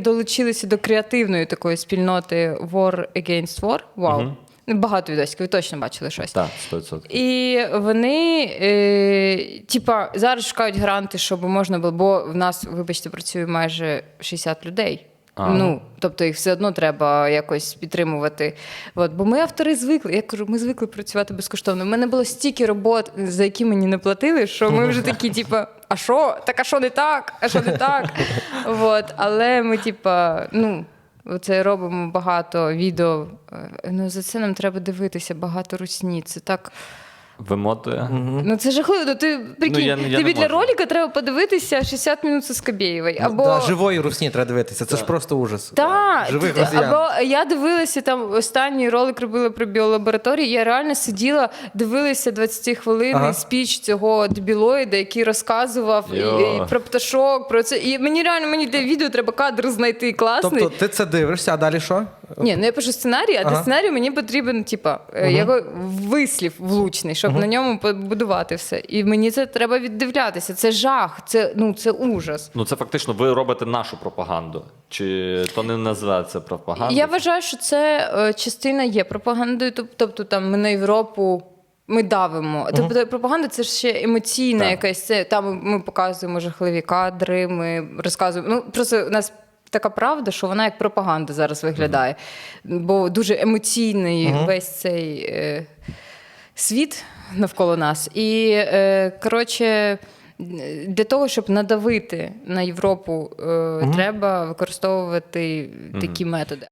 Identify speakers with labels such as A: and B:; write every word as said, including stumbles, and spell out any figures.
A: долучилися до креативної такої спільноти War Against War. Вау. Угу. Багато відосиків, ви точно бачили щось.
B: Так, сто відсотків.
A: І вони, е, типа, зараз шукають гранти, щоб можна було, бо в нас, вибачте, працює майже шістдесят людей. А. Ну, тобто їх все одно треба якось підтримувати. От, бо ми автори звикли, я кажу, ми звикли працювати безкоштовно. У мене було стільки робот, за які мені не платили, що ми вже такі, типа, а що? Так, а що не так? А що не так? От, але ми, типа, ну... Оце робимо багато відео. Ну, за це нам треба дивитися, багато русні. Це так...
B: Вимотує.
A: Угу. Ну, це жахливо. Ну, ти, прикинь,
B: ну, я, я
A: тобі для ролика треба подивитися шістдесят минут з Скабєєвої. Або...
C: Да, живої русні треба дивитися. Це да. ж просто ужас.
A: Так.
C: Живих росіян.
A: Або я дивилася, там останній ролик робила про біолабораторії, я реально сиділа, дивилася двадцятихвилинний ага. спіч цього дебілоїда, який розказував і, і про пташок, про це. І мені реально, мені для відео треба кадр знайти класний.
C: Тобто ти це дивишся, а далі що?
A: Ні, ну я пишу сценарій, а ага. до сценарію мені потрібен, типа, угу. його вислів влучний, щоб угу. на ньому побудувати все. І мені це треба віддивлятися. Це жах, це, ну, це ужас.
B: Ну, це фактично ви робите нашу пропаганду. Чи то не називається пропагандою?
A: Я вважаю, що це е, частина є пропагандою. Тобто там ми на Європу ми давимо. Uh-huh. Тобто пропаганда – це ж ще емоційна так. якась. Це, там ми показуємо жахливі кадри, ми розказуємо. Ну, просто у нас така правда, що вона як пропаганда зараз виглядає. Uh-huh. Бо дуже емоційний uh-huh. весь цей е, світ навколо нас. І, е, коротше, для того, щоб надавити на Європу, е, uh-huh. треба використовувати uh-huh. такі методи.